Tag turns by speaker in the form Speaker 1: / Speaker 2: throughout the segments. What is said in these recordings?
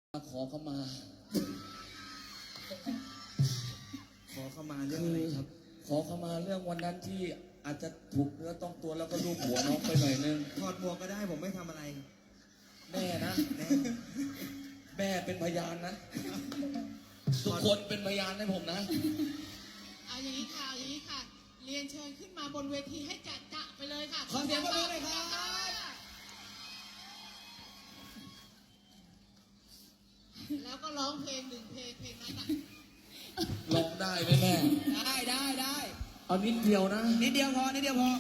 Speaker 1: ขอเข้ามา
Speaker 2: เรื่องอะไรครับ
Speaker 1: ขอเข้ามาเรื่องวันนั้นที่อาจจะถูกเนื้อต้องตัวแล้วก็ลูบหัวน้องไปหน่อยนึง
Speaker 2: ถอดหมวกก็ได้ผมไม่ทำอะไร
Speaker 1: แม่นะแม่เป็นพยานนะทุกคนเป็นพยานให้ผมนะ
Speaker 3: เอาอย่างนี้ค่ะเรียนเชิญขึ้นมาบนเวทีให้จะไปเลยค่ะ
Speaker 2: ขอเสียงปรบมือหน่อยครับ
Speaker 3: แล้วก็ร้องเพลงหนึ่งเพลงนั้นอ่ะ
Speaker 1: ร้องได้ไหมแม่
Speaker 2: ได้
Speaker 1: เอานิดเดียวนะ
Speaker 2: นิดเดียวพอ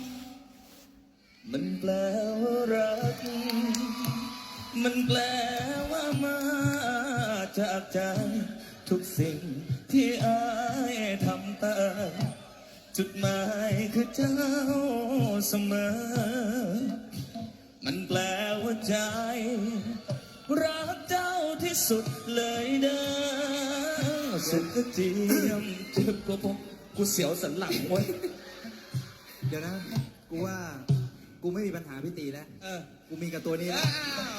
Speaker 1: มันแปลว่ารักมันแปลว่ามาจากใจทุกสิ่งที่อายทำตามจุดหมายคือเจ้าเสมอมันแปลว่าใจรักเจ้าที่สุดเลยเด้อสุดก็เจียมเจ็บกว่าผมกูเสียวสันหลังเว้ย
Speaker 2: เดี๋ยวนะกูว่ากูไม่มีปัญหาพี่ตีแล้วกูมีกับตัวนี้แล้ว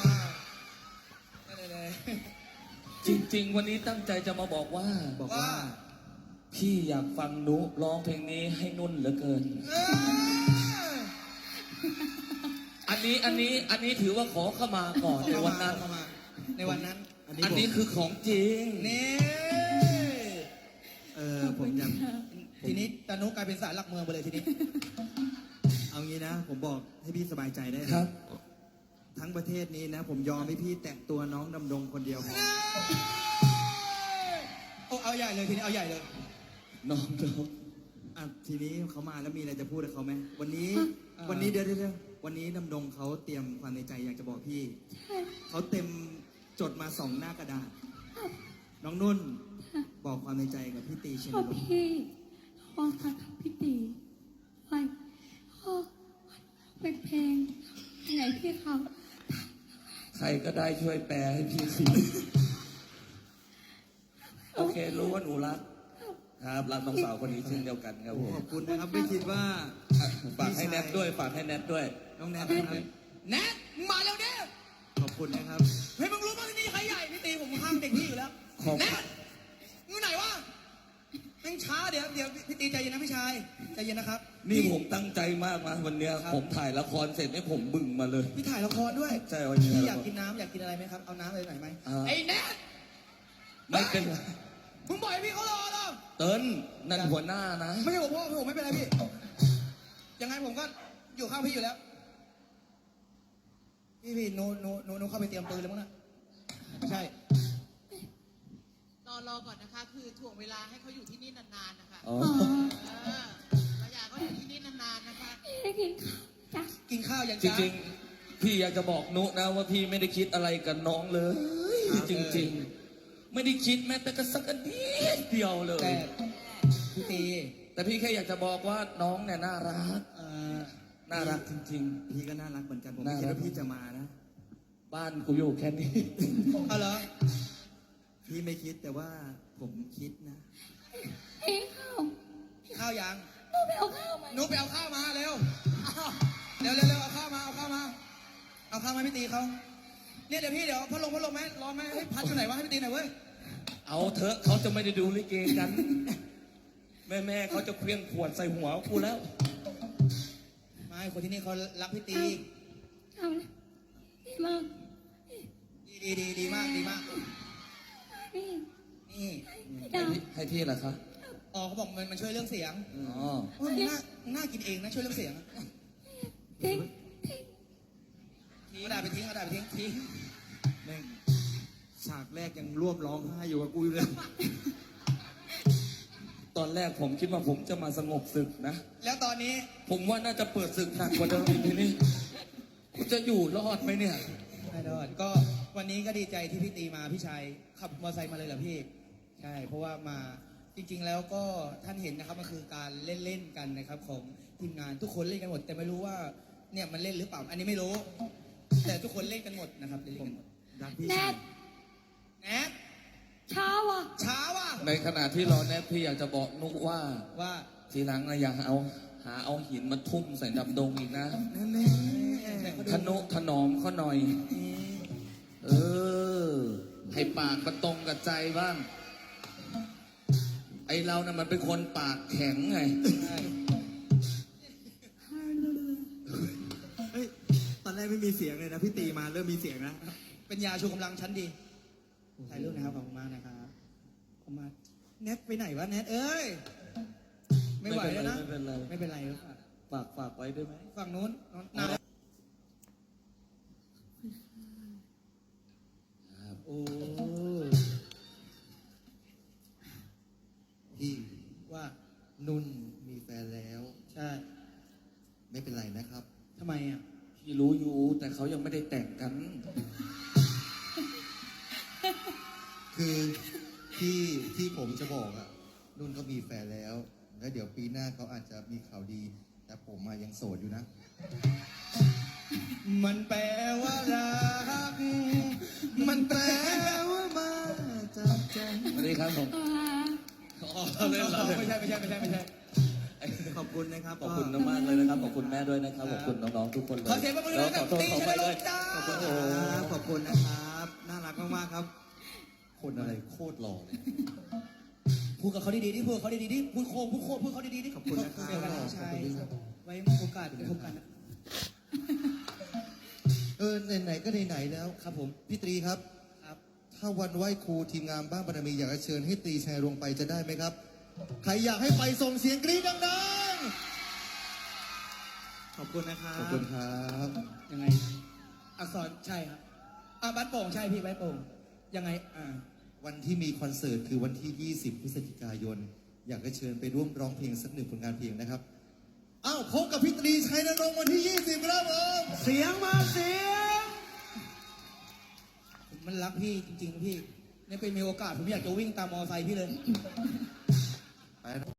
Speaker 1: จริงๆวันนี้ตั้งใจจะมาบอกว่าพี่อยากฟังนุร้องเพลงนี้ให้นุ่นเหลือเกินอันนี้ถือว่าขอเข้ามาก่อนในวันนั้นอันนี้คือของจริง
Speaker 2: นี่ผมอยากทีนี้ตานุกลายเป็นศาลหลักเมืองไปเลยทีนี้เอางี้นะผมบอกให้พี่สบายใจได้
Speaker 1: ครับ
Speaker 2: ทั้งประเทศนี้นะผมยอมให้พี่แตะตัวน้องดำดงคนเดียวพอเอาใหญ่เลยทีนี้เอาใหญ่เลย
Speaker 1: น้อง
Speaker 2: ทีนี้เขามาแล้วมีอะไรจะพูดกับเขาไหมวันนี้เดี๋ยววันนี้ดำดงเขาเตรียมความในใจอยากจะบอกพี่เขาเต็มจดมา2 หน้ากระดาษน้องนุ่นบอกความในใจกับพี่ตีเชนล
Speaker 4: พี่บอกกับพี่ตีไว้เป็นเพลงไหนพี่เขา
Speaker 1: ใครก็ได้ช่วยแปลให้พี่สิโอเครู้ว่าหนูรักครับรักน้องสาวคนนี้เช่นเดียวกันครับผม
Speaker 2: ขอบคุณนะครับไม่คิดว่า
Speaker 1: ฝากให้แนทด้วย
Speaker 2: น้องแนท
Speaker 3: แนทมาเร็วเด้อ
Speaker 2: ขอบคุณนะครับ
Speaker 3: เฮ้ยมึงรู้ป่ะที่นี่ใครใหญ่พี่ตีผมข้างเด็กพี่อยู่แล้วแนทมึงไหนวะแม่งช้าเดี๋ยวพี่ตีใจเย็นนะพี่ชายใจเย็นนะครับ
Speaker 1: นี่ผมตั้งใจมากนะวันเนี้ยผมถ่ายละครเสร็จให้ผมบึ่งมาเลย
Speaker 2: พี่ถ่ายละครด้วย
Speaker 1: ใช่วันนี้
Speaker 2: พี่อยากกินน้ำอยากกินอะไรไหมครับเอาน้ำอะไรหน่อยไหม
Speaker 3: ไอ้แนท
Speaker 1: ไม่เป็น
Speaker 3: มึงบ่อยพี่เขารอเหรอ
Speaker 1: เติ้ลนั่นหัวหน้านะ
Speaker 3: ไม่ใช่ผมพ่อผมไม่เป็นไรพี่ยังไงผมก็อยู่ข้างพี่อยู่แล้วพี่โนเข้าไปเตรียมปืนแล้วมั้งนะไม่ใช่รอก่อนนะคะคือถ่วงเวลาให้เขาอยู่ที่นี่นานๆนะคะเราอยากเขาอยู่ที่นี่นานๆนะคะ
Speaker 4: กินข้าว
Speaker 3: อย่าง
Speaker 1: จริงๆพี่อยากจะบอกนุนะว่าพี่ไม่ได้คิดอะไรกับน้องเลยจริงๆไม่ได้คิดแม้แต่กระสักนิดเดียวเลย
Speaker 2: แต่พี่ตี
Speaker 1: แต่พี่แค่อยากจะบอกว่าน้องเนี่ยน่ารักจริง
Speaker 2: ๆพี่ก็น่ารักเหมือนกันผมไม่คิดว่าพี่จะมานะ
Speaker 1: บ้านกูอยู่แค่นี้
Speaker 2: เอาเหรอพี่ไม่คิดแต่ว่าผมคิดนะข้าวยัง
Speaker 4: หนูไปเอาข้าว
Speaker 3: มาเร็วเอาข้าวมาพี่ตีเขาเนี่ยเดี๋ยวพัดลมไหมร้อนไหมให้พัดอยู่ไหนวะให้พี่ตีหน่อยเว้ย
Speaker 1: เอาเถอะเขาจะไม่ได้ดูลิเกกันแม่เขาจะเคลื่อนขวดใส่หัวกูแล้ว
Speaker 3: ไม่คนที่นี่เขารักพี่ตี
Speaker 4: เอาเลยดีมาก
Speaker 3: ดีมาก
Speaker 4: นี่
Speaker 1: ให้พี่เหรอคะ
Speaker 3: อ๋อเขาบอกมันช่วยเรื่องเสียง
Speaker 1: อ๋อ
Speaker 3: น่ากินเองนะช่วยเรื่องเสียง
Speaker 4: ทิ้ง
Speaker 3: เอาด่าไปทิ้ง
Speaker 2: แม่งฉากแรกยังร่วมร้องไห้อยู่กับกูเลย
Speaker 1: ตอนแรกผมคิดว่าผมจะมาสงบศึกนะ
Speaker 3: แล้วตอนนี้
Speaker 1: ผมว่าน่าจะเปิดศึกหนักกว่าเดิมอีกทีนี้กูจะอยู่รอดไหมเนี่ย
Speaker 3: ไม่รอดก็วันนี้ก็ดีใจที่พี่ตีมาพี่ชายขับมอเตอร์ไซค์มาเลยเหรอพี่ใช่เพราะว่ามาจริงๆแล้วก็ท่านเห็นนะครับมันคือการเล่นกันนะครับของทีมงานทุกคนเล่นกันหมดแต่ไม่รู้ว่าเนี่ยมันเล่นหรือเปล่าอันนี้ไม่รู้แต่ทุกคนเล่นกันหมดนะครับเล่นกันหมด
Speaker 4: แนทช้าว่ะ
Speaker 1: ในขณะที่รอแนทพี่อยากจะบอกนุกว่าทีหลังนะอย่าหาเอาหินมาทุ่มใส่ดำดงอีกนะทนุถนอมเขาหน่อยให้ปากมันตรงกับใจบ้าง ไอเรานะ่ะมันเป็นคนปากแข็งไง
Speaker 2: เฮ้ย ตอนแรกไม่มีเสียงเลยนะ พี่ตีมาเริ่มมีเสียงนะ
Speaker 3: เป็นยาชูกำลังชั้นดี ถ่ายรูปนะครับ ขอบคุณมากนะครับขอบคุณมากแนทไปไหนวะแนทเอ้ย ไม่ไหวแล้วนะ
Speaker 1: ไม่เป็นไร
Speaker 3: ไม่เป็นไรครับ
Speaker 1: ฝากไว้ได้ไหม
Speaker 3: ฝั่งนู้นนานโอ้
Speaker 5: พี่
Speaker 3: ว่า
Speaker 5: นุ่นมีแฟนแล้ว
Speaker 3: ใช่
Speaker 5: ไม่เป็นไรนะครับ
Speaker 3: ทำไมอ่ะ
Speaker 1: พี่รู้อยู่แต่เขายังไม่ได้แต่งกัน
Speaker 5: คือที่ผมจะบอกอะนุ่นก็มีแฟนแล้ว แล้วเดี๋ยวปีหน้าเขาอาจจะมีข่าวดี แต่ผมมายังโสดอยู่นะ
Speaker 3: มันแปลว่ารัก มันแปลว่ามาจากใจ
Speaker 1: สวัสดีครับผม เล่นเรา
Speaker 3: ไม่ใช่
Speaker 2: ขอบคุณนะครับ
Speaker 1: ขอบคุณมากๆเลยนะครับ ขอบคุณแม่ด้วยนะครับ ขอบคุณน้องๆทุกคนเลย
Speaker 3: ขอเสียงปรบมือ
Speaker 1: แล้
Speaker 3: ให้
Speaker 1: วข
Speaker 3: กั
Speaker 1: อบ โทษ
Speaker 3: ตี
Speaker 1: ขอ
Speaker 3: ช
Speaker 1: ไป
Speaker 3: น
Speaker 1: ด้
Speaker 3: ล
Speaker 1: วย
Speaker 3: จ้า
Speaker 2: ขอบคุณครับขอบคุณนะครับ น่ารักมากๆครับ
Speaker 5: คนอะไรโคตรหล่อเลย
Speaker 3: พูดกับเขาดีๆดิพูดกับเขาดีๆดิพูดโค้งพูดเขาดีๆดิ
Speaker 2: ขอบคุณนะครับ
Speaker 3: เจอกันนะชายไว้โอกาสเดี๋ยวพบกันนะ
Speaker 5: ไหนๆก็ไหนๆแล้ว
Speaker 3: ครับผม
Speaker 5: พี่ตรีครับ
Speaker 3: ครับ
Speaker 5: ถ้าวันไหว้ครูทีมงานบ้านบารมีอยากจะเชิญให้ตรีชัยลงไปจะได้ไหมครับ ใครอยากให้ไปส่งเสียงกรี๊ดดัง
Speaker 2: ขอบคุณนะครับ
Speaker 5: ๆ ขอบคุณครับ
Speaker 3: ยังไง อักษรใช่ครับบ้านโป่งใช่พี่บ้านโป่งยังไง
Speaker 5: วันที่มีคอนเสิร์ตคือวันที่ 20 พฤศจิกายน อยากจะเชิญไปร่วมร้องเพลงสักหนึ่งผลงานเพลงนะครับ อ้าวพบกับพี่ตรีชัยนรงค์วันที่ 20 ครับผม
Speaker 3: เสียงมาเสียงมันรักพี่จริงๆพี่เนี่ยเป็นมีโอกาสผมอยากจะวิ่งตามมอไซค์พี่เลย